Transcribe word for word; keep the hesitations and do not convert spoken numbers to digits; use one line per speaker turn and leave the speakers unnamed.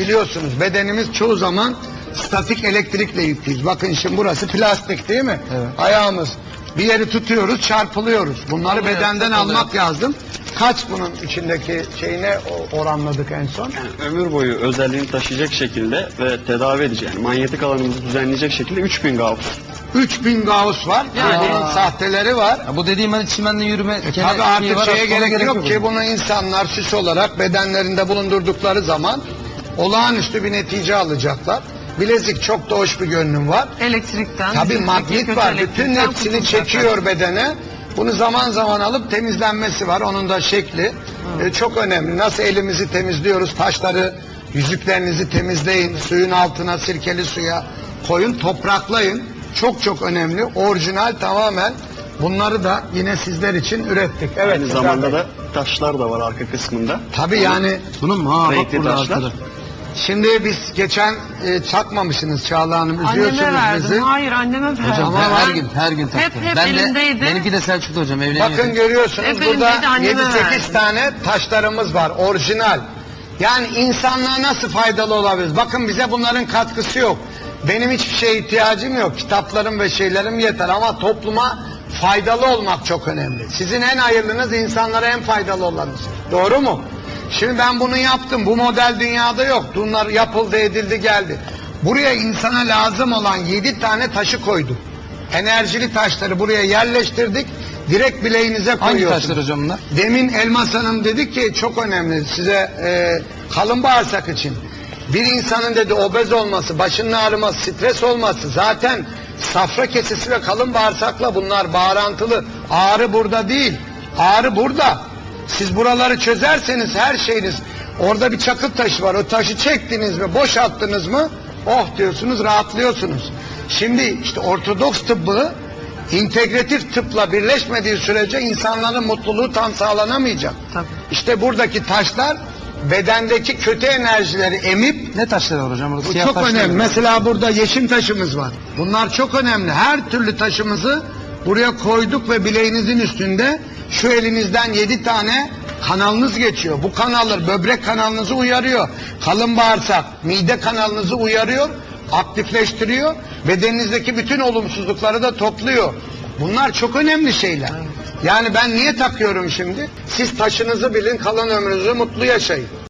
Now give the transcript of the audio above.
biliyorsunuz bedenimiz çoğu zaman statik elektrikle yüklüyüz. Bakın şimdi burası plastik değil mi?
Evet.
Ayağımız. Bir yeri tutuyoruz, çarpılıyoruz. Bunları
Oluyor,
bedenden
oluyor.
almak lazım. Kaç bunun içindeki şeyine oranladık en son?
Yani ömür boyu özelliğini taşıyacak şekilde ve tedavi edici, yani manyetik alanımızı düzenleyecek şekilde üç bin Gauss.
üç bin Gauss var.
Yani-
Bunun sahteleri var.
Ya bu dediğim hani çimenle yürüme.
E
kene-
tabii artık
şeyi var,
şeye
ona
gerek, yok
bunun.
ki bunu insanlar süs olarak bedenlerinde bulundurdukları zaman olağanüstü bir netice alacaklar. Bilezik çok da hoş bir görünüm var.
Elektrikten.
Tabii
bizim
magnet
kötü
var. Bütün
elektrikten
hepsini
kurtulacaklar.
çekiyor bedene. Bunu zaman zaman alıp temizlenmesi var. Onun da şekli e, çok önemli. Nasıl elimizi temizliyoruz, taşları, yüzüklerinizi temizleyin, suyun altına sirkeli suya koyun, topraklayın. Çok çok önemli. Orijinal tamamen. Bunları da yine sizler için ürettik. Evet.
Aynı
Sezer
zamanda
Bey.
da taşlar da var arka kısmında.
Tabii yani
Bunun mu? Ha bak
Renkli
burada
taşlar.
arkada.
şimdi biz geçen e, çakmamışsınız Çağla Hanım.
Anneme
Üzüyorsunuz
verdim.
bizi.
Hayır anneme verdim.
Hocam
Ama
her
ben-
gün her gün taktı.
Hep hep
ben
elimdeydi.
de benimki de Selçuk'ta hocam evleniyor.
Bakın görüyorsunuz
Hep
burada
elimdeydi, anneme
yedi sekiz
verdim.
tane taşlarımız var orijinal. Yani insanlığa nasıl faydalı olabiliriz? Bakın bize bunların katkısı yok. Benim hiçbir şeye ihtiyacım yok. Kitaplarım ve şeylerim yeter ama topluma faydalı olmak çok önemli. Sizin en hayırlınız insanlara en faydalı olanınız. Doğru mu? Şimdi ben bunu yaptım. Bu model dünyada yok. Bunlar yapıldı, edildi, geldi. Buraya insana lazım olan yedi tane taşı koyduk. Enerjili taşları buraya yerleştirdik. Direkt bileğinize
Hangi
koyuyorsunuz.
taşlar hocam bunlar?
Demin Elmas Hanım dedi ki çok önemli size e, kalın bağırsak için. Bir insanın dedi obez olması, başının ağrıması, stres olması zaten safra kesesi ve kalın bağırsakla bunlar bağrantılı. Ağrı burada değil. Ağrı burada. Siz buraları çözerseniz her şeyiniz, orada bir çakıl taşı var. O taşı çektiniz mi, boşalttınız mı, oh diyorsunuz, rahatlıyorsunuz. Şimdi işte Ortodoks tıbbı integratif tıpla birleşmediği sürece insanların mutluluğu tam sağlanamayacak.
Tabii.
İşte buradaki taşlar bedendeki kötü enerjileri emip,
Ne taşları var hocam? Burada
bu
siyah
çok
taşlar
önemli.
var.
Mesela burada yeşim taşımız var. Bunlar çok önemli. Her türlü taşımızı buraya koyduk ve bileğinizin üstünde şu elinizden yedi tane kanalınız geçiyor. Bu kanallar böbrek kanalınızı uyarıyor. Kalın bağırsak, mide kanalınızı uyarıyor, aktifleştiriyor. Bedeninizdeki bütün olumsuzlukları da topluyor. Bunlar çok önemli şeyler. Yani ben niye takıyorum şimdi? Siz taşınızı bilin, kalan ömrünüzü mutlu yaşayın.